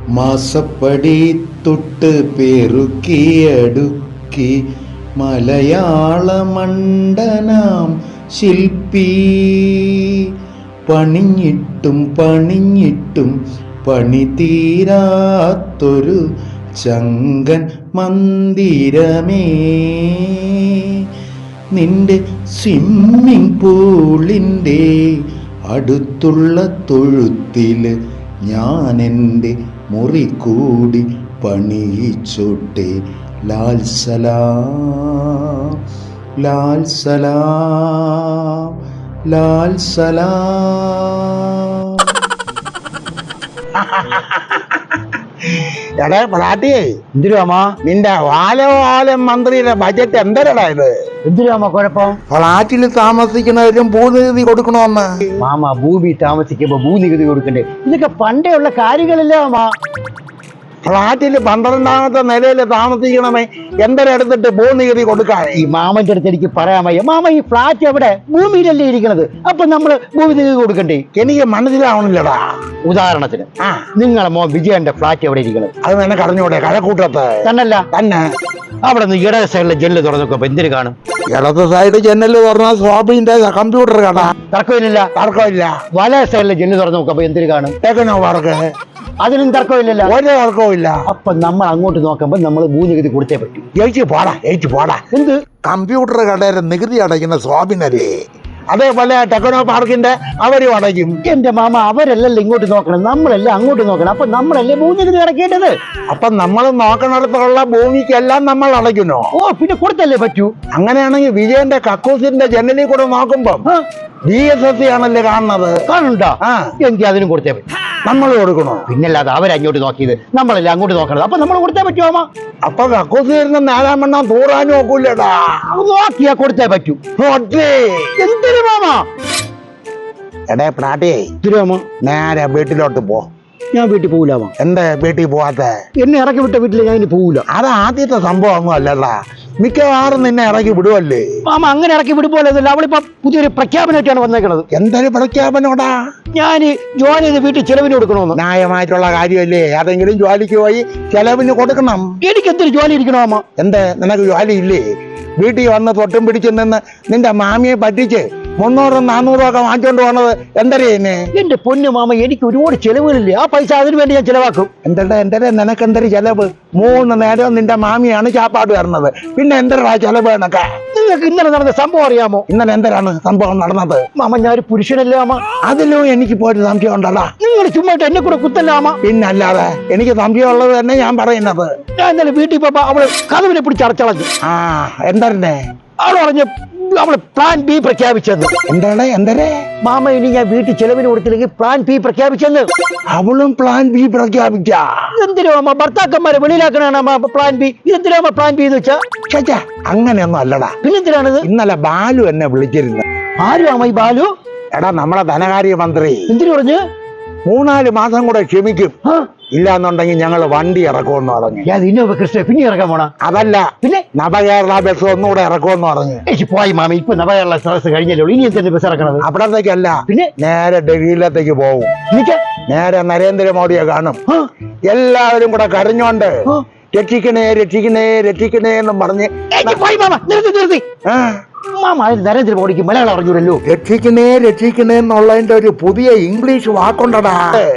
മാസപ്പടി തൊട്ട് പെറുക്കിയടുക്കി മലയാള മണ്ഡനാം ശില്പി പണിഞ്ഞിട്ടും പണിഞ്ഞിട്ടും പണി തീരാത്തൊരു ചങ്കൻ മന്ദിരമേ, നിന്റെ സ്വിമ്മിംഗ് പൂളിൻ്റെ അടുത്തുള്ള തൊഴുത്തിൽ ഞാൻ എൻ്റെ മുറി കൂടി പണിയിച്ചോട്ടെ. ലാൽ സലാം ലാൽ സലാം ലാൽ സലാം. എടേ പ്രാട്ടിയേ, എന്തിനാമാ നിന്റെ വാലവാലം മന്ത്രിയുടെ ബജറ്റ് എന്തരടാ ഇത്? എന്തിനാമാ കുഴപ്പം? ഫ്ലാറ്റിൽ താമസിക്കുന്നവരും ഭൂനികുതി കൊടുക്കണമെന്ന്. മാമ ഭൂമി താമസിക്കുമ്പോ ഭൂനികുതി കൊടുക്കണ്ടേ? ഇതൊക്കെ പണ്ടേ ഉള്ള കാര്യങ്ങളല്ലേ മാമ. ഫ്ലാറ്റിൽ 12ാമത്തെ നിലയിൽ താമസിക്കണമേ എന്തരെടുത്തിട്ട് ഭൂനികുതി കൊടുക്കാൻ? ഈ മാമന്റെ അടുത്ത് എനിക്ക് പറയാൻ വയ്യ. മാമ, ഈ ഫ്ലാറ്റ് എവിടെ? ഭൂമിയിലല്ലേ ഇരിക്കണത്. അപ്പൊ നമ്മള് ഭൂമി നികുതി കൊടുക്കണ്ടേ? എനിക്ക് മനസ്സിലാവണില്ലടാ. ഉദാഹരണത്തിന് നിങ്ങളെ മോൻ വിജയന്റെ ഫ്ലാറ്റ് എവിടെ ഇരിക്കണത്? അത് നിനക്ക് അറിഞ്ഞൂടെ? കഴക്കൂട്ടത്ത് തന്നല്ല തന്നെ. അവിടെ നിന്ന് ഇടത് സൈഡിലെ ജെല്ല് തുറന്നൊക്കെ എന്തിനു കാണും? ഇടത് സൈഡ് ജനല് തുറന്ന സ്വാബിന്റെ കമ്പ്യൂട്ടർ കാണാ. തർക്കമില്ല. തർക്കമില്ല. വലേ സൈഡിലെ ജെല്ല് തുറന്നു നോക്കപ്പോ എന്തിനു കാണും? Techno work. അതിനും തർക്കമില്ലല്ലോ. ഒരു തർക്കവും ഇല്ല. അപ്പൊ നമ്മൾ അങ്ങോട്ട് നോക്കുമ്പോ നമ്മൾ ഭൂനികുതി കൊടുത്തേ പറ്റൂ. ജയിച്ചു പോടാ. എന്ത്? കമ്പ്യൂട്ടർ കടയുടെ നികുതി അടയ്ക്കുന്ന സ്വാബിനല്ലേ? അതേപോലെ ടെക്നോ പാർക്കിന്റെ അവരും അടയ്ക്കും. എന്റെ മാമ, അവരല്ലല്ലോ ഇങ്ങോട്ട് നോക്കണം, നമ്മളല്ലേ അങ്ങോട്ട് നോക്കണം. അപ്പൊ നമ്മളല്ലേ ഭൂനികുതി അടയ്ക്കേണ്ടത്. അപ്പൊ നമ്മൾ നോക്കണടത്തുള്ള ഭൂമിക്കെല്ലാം നമ്മൾ അടയ്ക്കുന്നു. ഓ, പിന്നെ കൊടുത്തല്ലേ പറ്റൂ. അങ്ങനെയാണെങ്കിൽ വിജയന്റെ കക്കൂസിന്റെ ജനലിൽ കൂടെ നോക്കുമ്പോ DSS ആണല്ലേ കാണുന്നത്. കാണുന്നുണ്ടോ? എനിക്ക് അതിനും കൊടുത്തേ പറ്റൂ. നമ്മൾ കൊടുക്കണോ? പിന്നല്ലാതെ അവരങ്ങോട്ട് നോക്കിയത്, നമ്മളല്ലേ അങ്ങോട്ട് നോക്കണത്. അപ്പൊ നമ്മൾ കൊടുത്തേ പറ്റുമോ മാമ? അപ്പൊ കക്കൂസ് വരുന്ന 4-ാം എണ്ണം തൂറാനും നോക്കൂലടാ. നോക്കിയാ കൊടുത്തേ പറ്റൂ. എന്തിനു മാമ? എടേ പ്രാട്ടിയേ, തിരുവാമ നേരെ വീട്ടിലോട്ട് പോ. ഞാൻ വീട്ടിൽ പോകൂലാമോ? എന്താ വീട്ടിൽ പോവാത്ത? എന്നെ ഇറക്കി വിട്ട വീട്ടിൽ ഞാൻ ഇനി പോകൂല. അത് ആദ്യത്തെ സംഭവം ഒന്നും അല്ലടാ. മിക്കവാറും നിന്നെ ഇറക്കി വിടുവല്ലേ. മാമ, അങ്ങനെ ഇറക്കി വിടുമ്പോലല്ല. അവളിപ്പോ പുതിയൊരു പ്രഖ്യാപനമായിട്ടാണ് വന്നേക്കുന്നത്. എന്തൊരു പ്രഖ്യാപനോടാ? ഞാൻ ജോലി ചെയ്ത് വീട്ടിൽ ചെലവിന് കൊടുക്കണമെന്ന്. ന്യായമായിട്ടുള്ള കാര്യമല്ലേ? ഏതെങ്കിലും ജോലിക്ക് പോയി ചെലവിന് കൊടുക്കണം. എനിക്ക് എന്തൊരു ജോലി ഇരിക്കണോ മാമ? എന്താ നിനക്ക് ജോലി ഇല്ലേ? വീട്ടിൽ വന്ന് തൊട്ടും പിടിച്ചു നിന്ന് നിന്റെ മാമിയെ പറ്റിച്ച് 300-400 ഒക്കെ വാങ്ങിച്ചോണ്ട് പോണത് എന്തരേന്നെ? എന്റെ പൊന്നു മാമ, എനിക്ക് ഒരുപാട് ചെലവുകളില്ലേ. ആ പൈസ അതിനു വേണ്ടി ഞാൻ ചെലവാക്കും. എന്തര നിനക്ക് എന്തൊരു ചെലവ്? 3 നേരം നിന്റെ മാമിയാണ് ചാപ്പാട് വരുന്നത്. പിന്നെ എന്തരാ ചെലവ് എന്നൊക്കെ? നിങ്ങൾക്ക് ഇന്നലെ നടന്ന സംഭവം അറിയാമോ? ഇന്നലെ എന്തരാണ് സംഭവം നടന്നത്? മാമ, ഞാൻ ഒരു പുരുഷനല്ലേ മാമ? അതിലും എനിക്ക് പോയിട്ട് സംശയം ഉണ്ടല്ലോ. നിങ്ങൾ ചുമ്മായിട്ട് എന്നെ കൂടെ കുത്തല്ലാമ. പിന്നല്ലാതെ എനിക്ക് സംശയം ഉള്ളത് തന്നെ ഞാൻ പറയുന്നത്. ഞാൻ ഇന്നലെ വീട്ടിൽ പോയപ്പോ അവള് കഥവിനെ പിടിച്ച് അടച്ചളഞ്ഞു. എന്തരനെ? അവള് പറഞ്ഞ് അവള് പ്ലാൻ ബി പ്രഖ്യാപിച്ചെന്ന്. എന്തരേ മാമ, ഇനി ഞാൻ വീട്ടിൽ ചെലവിന് കൊടുത്തില്ലെങ്കിൽ പ്ലാൻ ബി പ്രഖ്യാപിച്ചെന്ന്. അവളും പ്ലാൻ ബി പ്രഖ്യാപിച്ച? എന്തിനോ മാമ ഭർത്താക്കന്മാരെ വെളിയിലാക്കണാണ് പ്ലാൻ ബി? ഇതെന്തിനാ മാമ പ്ലാൻ ബി എന്ന് വെച്ചാ? അങ്ങനെയൊന്നും അല്ലടാ. പിന്നെന്തിനാണിത്? ഇന്നലെ ബാലു എന്നെ വിളിച്ചിരുന്നു. ആരും ആമ ഈ ബാലു? എടാ, നമ്മളെ ധനകാര്യ മന്ത്രി. എന്തിനു പറഞ്ഞു? 3-4 മാസം കൂടെ ക്ഷമിക്കും, ഇല്ലാന്നുണ്ടെങ്കിൽ ഞങ്ങൾ വണ്ടി ഇറക്കുമെന്ന് പറഞ്ഞു. ഇന്നോവ ക്രിസ്റ്റ പിന്നെ ഇറക്കാൻ പോണ? അതല്ല, പിന്നെ നവകേരള ബസ് ഒന്നുകൂടെ ഇറക്കുമെന്ന് പറഞ്ഞു. പോയി മാമ, ഇപ്പൊ നവകേരള സദസ് കഴിഞ്ഞല്ലോ. ഇനി എന്തിന്റെ ബസ് ഇറക്കണത്? അവിടത്തേക്കല്ല, പിന്നെ നേരെ ഡൽഹിയിലത്തേക്ക് പോകും. നേരെ നരേന്ദ്രമോദിയെ കാണും. എല്ലാവരും കൂടെ കരഞ്ഞോണ്ട് രക്ഷിക്കണേ എന്നും പറഞ്ഞ് നിർത്തി. മാമ, നരേന്ദ്രമോദിക്ക് മലയാളം അറിഞ്ഞൂരല്ലോ. രക്ഷിക്കണേ എന്നുള്ളതിന്റെ ഒരു പുതിയ ഇംഗ്ലീഷ് വാക്കുണ്ടടാ.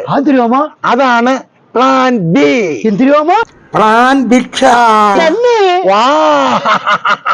അതാണ് പ്ലാൻ ബി. എന്തിരുവാമ? പ്ലാൻ ഭിക്ഷ. തന്നെ? വാ